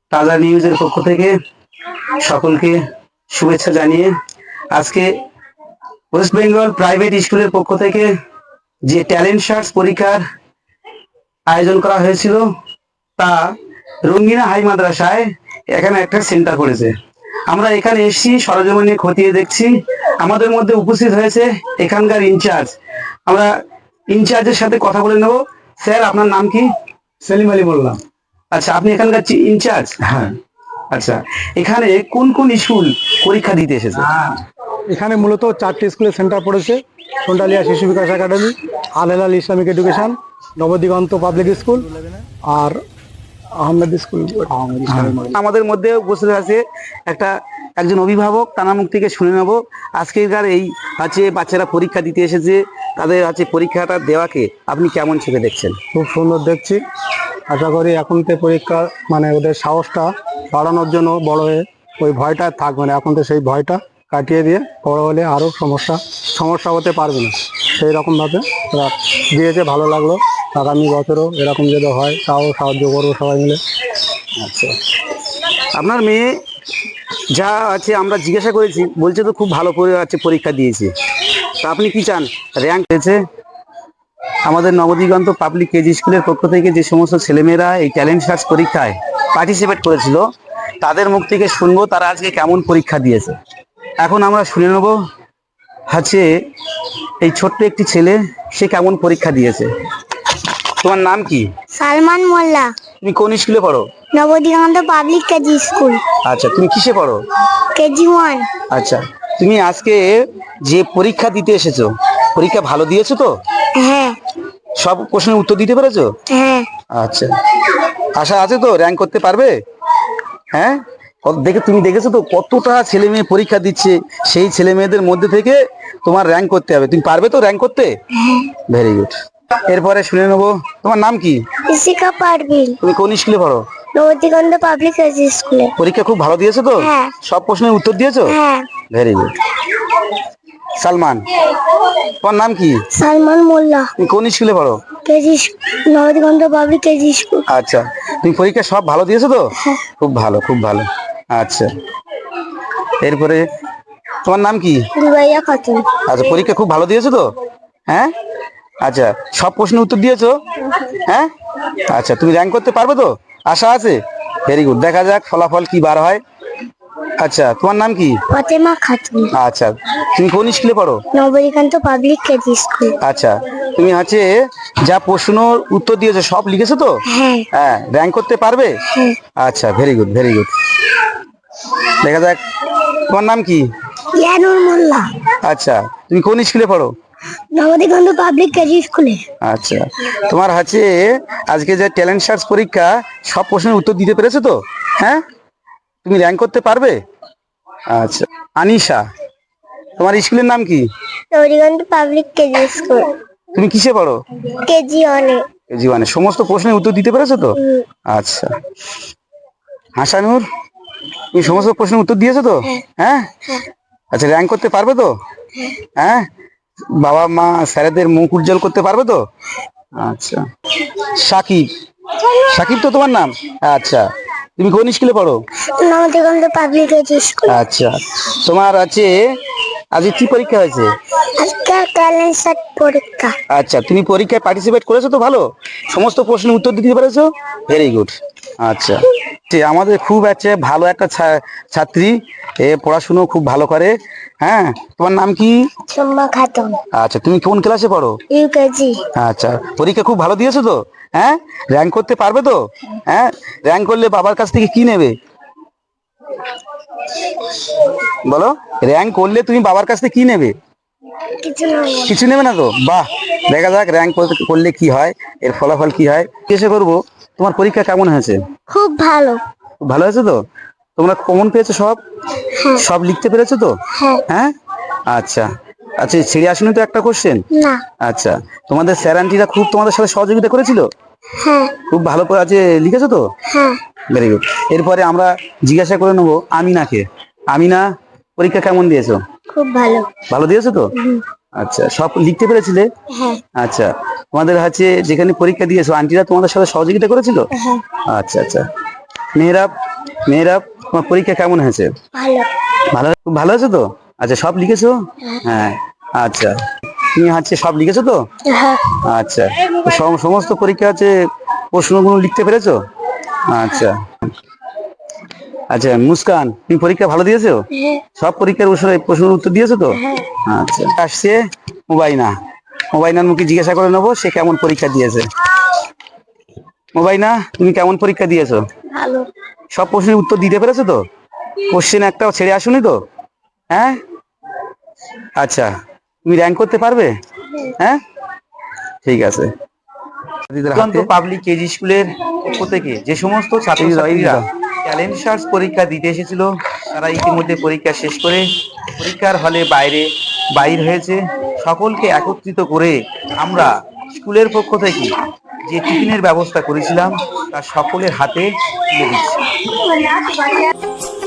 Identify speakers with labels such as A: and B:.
A: তাজা নিউজের পক্ষ থেকে সকলকে শুভেচ্ছা জানিয়ে আজকে ওয়েস্ট বেঙ্গল প্রাইভেট স্কুলের পক্ষ থেকে যে ট্যালেন্ট সার্চ পরীক্ষার আয়োজন করা হয়েছিল তা রঙ্গিনা হাই মাদ্রাসায় এখানে একটা সেন্টার করেছে। আমরা এখানে এসেছি, সরজমিনে খতিয়ে দেখছি। আমাদের মধ্যে উপস্থিত হয়েছে এখানকার ইনচার্জ। আমরা ইনচার্জের সাথে কথা বলে নেব। স্যার, আপনার নাম কি?
B: সেলিম আলী বললাম।
A: আচ্ছা, আপনি এখানকার ইনচার্জ?
B: হ্যাঁ।
A: আচ্ছা, এখানে কোন কোন স্কুল পরীক্ষা দিতে এসেছে?
B: এখানে মূলত 4টি স্কুলের সেন্টার পড়েছে। Sondalia Shishu Bikash academy, Al Helal Islamic education, Nabadiganta public school আর আহমেদ স্কুল।
A: আমাদের মধ্যে উপস্থিত আছে একজন অভিভাবক, তার মুখ থেকে শুনে নেব আজকের এই বাচ্চারা পরীক্ষা দিতে এসেছে, তাদের পরীক্ষাটা দেওয়াকে আপনি কেমন চোখে দেখছেন?
B: খুব সুন্দর দেখছি। আশা করি এখন থেকে পরীক্ষা ওদের সাহসটা বাড়ানোর জন্য বড় হয়ে ওই ভয়টা থাকবে না। এখন তো সেই ভয়টা কাটিয়ে দিয়ে বড় হলে আরও সমস্যা হতে পারবে না, সেই রকমভাবে ওরা দিয়েছে। ভালো লাগলো। আগামী বছরও এরকম যদি হয় তাও সাহায্য করবো সবাই মিলে।
A: আচ্ছা, আপনার মেয়ে যা আমরা জিজ্ঞাসা করেছি, বলছে তো খুব ভালো করে পরীক্ষা দিয়েছে। তা আপনি কি চান? র্যাঙ্ক পেয়েছে। আমাদের নবদিগন্ত পাবলিক কেজি স্কুলের পক্ষ থেকে যে সমস্ত ছেলেমেয়েরা এই ট্যালেন্ট সার্চ পরীক্ষায় পার্টিসিপেট করেছিল, তাদের মুখ থেকে শুনবো তারা আজকে কেমন পরীক্ষা দিয়েছে। এখন আমরা শুনে নেব এই ছোট্ট একটি ছেলে, সে কেমন পরীক্ষা দিয়েছে। তোমার নাম কি?
C: সালমান মোল্লা।
A: তুমি কোন স্কুলে পড়ো?
C: Nabadiganta public KG school.
A: আচ্ছা, তুমি কিসে পড়ো?
C: কেজি 1।
A: আচ্ছা, তুমি আজকে যে পরীক্ষা দিতে এসেছো, পরীক্ষা ভালো দিয়েছো তো?
C: হ্যাঁ।
A: সব প্রশ্নের উত্তর দিতে পেরেছো?
C: হ্যাঁ।
A: আচ্ছা, আশা আছে তো র্যাঙ্ক করতে পারবে? হ্যাঁ, তুমি দেখেছো তো কতটা ছেলে মেয়ে পরীক্ষা দিচ্ছে, সেই ছেলে মেয়েদের মধ্যে থেকে তোমার র্যাঙ্ক করতে হবে। তুমি পারবে তো র্যাঙ্ক করতে? Very good. এরপরে শুনে নেবো, তোমার নাম কি?
C: ইসিকা পারভিন।
A: তুমি কোন স্কুলে পড়ো?
C: নবদিগন্ত পাবলিক কেজি স্কুলে।
A: পরীক্ষা খুব ভালো দিয়েছো তো?
C: হ্যাঁ।
A: সব প্রশ্নের উত্তর দিয়েছো?
C: হ্যাঁ।
A: Very good. সালমান, তোমার নাম কি?
C: সালমান মোল্লা।
A: তুমি কোন স্কুলে পড়ো?
C: KG Nabadiganta public KG school.
A: আচ্ছা, তুমি পরীক্ষা সব ভালো দিয়েছো তো? খুব ভালো, খুব ভালো। আচ্ছা, এরপরে তোমার নাম কি?
C: দুবাইয়া খাতুন।
A: আচ্ছা, পরীক্ষা খুব ভালো দিয়েছো তো? হ্যাঁ। আচ্ছা, সব প্রশ্নের উত্তর দিয়েছো? হ্যাঁ। আচ্ছা, তুমি র্যাঙ্ক করতে পারবে তো? আশা আছে? Very good. দেখা যাক ফলাফল কি বার হয়। আচ্ছা, তোমার নাম কি?
C: ফাতেমা খাতুন।
A: আচ্ছা, তুমি কোন স্কুলে পড়ো?
C: Nabadiganta public KG school.
A: আচ্ছা, তুমি যা প্রশ্ন উত্তর দিয়েছো সব লিখেছো তো?
C: হ্যাঁ।
A: হ্যাঁ, র্যাঙ্ক করতে পারবে? আচ্ছা, ভেরি গুড, ভেরি গুড। দেখা যাক, তোমার নাম কি?
C: ইয়ানুর মোল্লা।
A: আচ্ছা, তুমি কোন স্কুলে পড়ো?
C: নবদিগন্ত পাবলিক কেজি স্কুলে।
A: আচ্ছা, তোমার আজকে যে ট্যালেন্ট সার্চ পরীক্ষা সব প্রশ্নের উত্তর দিতে পেরেছো তো? হ্যাঁ, তুমি র্যাঙ্ক করতে পারবে? আচ্ছা, আনিশা, তোমার স্কুলের নাম কি?
C: Nabadiganta public KG school.
A: তুমি কিসে পড়ো?
C: KG 1 A.
A: KG 1 A. সমস্ত প্রশ্নের উত্তর দিতে পেরেছো তো? আচ্ছা, হাসানুর, তুমি সমস্ত প্রশ্নের উত্তর দিয়েছো তো? হ্যাঁ। আচ্ছা, র্যাঙ্ক করতে পারবে তো? হ্যাঁ, বাবা মা স্যারেদের মুখ উজ্জ্বল করতে পারবে তো? আচ্ছা, সাকিব, সাকিব তো তোমার নাম? আচ্ছা, তুমি কোন স্কুলে পড়ো?
C: Nabadiganta public KG school.
A: আচ্ছা, তোমার আজকে কি পরীক্ষা হয়েছে?
C: আজকে ট্যালেন্ট সার্চ পরীক্ষা।
A: আচ্ছা, তুমি পরীক্ষায় পার্টিসিপেট করেছো তো? ভালো, সমস্ত প্রশ্নের উত্তর দিতে পেরেছো? Very good. আচ্ছা, আমাদের খুব ভালো একটা ছাত্রী, পড়াশুনো খুব ভালো করে। হ্যাঁ, তোমার নাম কি?
C: সুম্মা খাতুন।
A: আচ্ছা, তুমি কোন ক্লাসে পড়ো?
C: ইউকেজি।
A: আচ্ছা, পরীক্ষা খুব ভালো দিয়েছো তো? হ্যাঁ, র্যাঙ্ক করতে পারবে তো? হ্যাঁ, র্যাঙ্ক করলে বাবার কাছ থেকে কি নেবে বলো? র্যাঙ্ক করলে তুমি বাবার কাছ থেকে কি নেবে? কিছু নেবে না তো? বাহ, দেখা যাক র্যাঙ্ক করলে কি হয়, এর ফলাফল কি হয়। জিজ্ঞাসা করবো, তোমার পরীক্ষা কেমন হয়েছে?
C: খুব ভালো।
A: খুব ভালো হয়েছে তো? তোমরা কমন পেয়েছো সব? সব লিখতে পেরেছো তো? হ্যাঁ। আচ্ছা, আচ্ছা, ছেড়ে আসুনি তো একটা কোশ্চেন?
C: না।
A: আচ্ছা, তোমাদের স্যার আন্টিরা খুব তোমাদের সাথে সহযোগিতা করেছিল?
C: হ্যাঁ।
A: খুব ভালো করে লিখেছো তো?
C: হ্যাঁ।
A: Very good. এরপরে আমরা জিজ্ঞাসা করে নেবো আমিনাকে। আমিনা, পরীক্ষা কেমন দিয়েছো?
C: খুব ভালো।
A: ভালো দিয়েছো তো? আচ্ছা, সব লিখতে পেরেছিলে?
C: হ্যাঁ।
A: আচ্ছা, তোমাদের যেখানে পরীক্ষা দিয়েছো আন্টিরা তোমাদের সাথে সহযোগিতা করেছিল?
C: হ্যাঁ।
A: আচ্ছা, আচ্ছা। মেহরাব, মেয়েরা তোমার পরীক্ষা কেমন হয়েছে?
C: ভালো।
A: ভালো, খুব ভালো হয়েছে তো? আচ্ছা, সব লিখেছো? হ্যাঁ। আচ্ছা, তুমি হচ্ছে সব লিখেছো তো?
C: হ্যাঁ।
A: আচ্ছা, তো সমস্ত পরীক্ষা হচ্ছে প্রশ্নগুলো লিখতে পেরেছো? আচ্ছা। আচ্ছা মুস্কান, তুমি পরীক্ষা ভালো দিয়েছো?
C: হ্যাঁ।
A: সব পরীক্ষার প্রশ্নের উত্তর দিয়েছো তো? আচ্ছা, আসছে মোবাইনা। মোবাইনার মুখে জিজ্ঞাসা করে নেবো সে কেমন পরীক্ষা দিয়েছে। মোবাইনা, তুমি কেমন পরীক্ষা দিয়েছো?
C: ভালো।
A: সব প্রশ্নের উত্তর দিতে পেরেছো তো? কোশ্চেন একটাও ছেড়ে আসুনি তো? হ্যাঁ। আচ্ছা, তুমি র্যাঙ্ক করতে পারবে? হ্যাঁ, ঠিক আছে। পাবলিক কেজি স্কুলের পক্ষ থেকে যে সমস্ত ছাত্রছাত্রীরা ট্যালেন্ট সার্চ পরীক্ষা দিতে এসেছিল তারা ইতিমধ্যে পরীক্ষা শেষ করে পরীক্ষার হলে বাইর হয়েছে। সকলকে একত্রিত করে আমরা স্কুলের পক্ষ থেকে যে টিফিনের ব্যবস্থা করেছিলাম তা সকলের হাতে তুলে দিচ্ছি।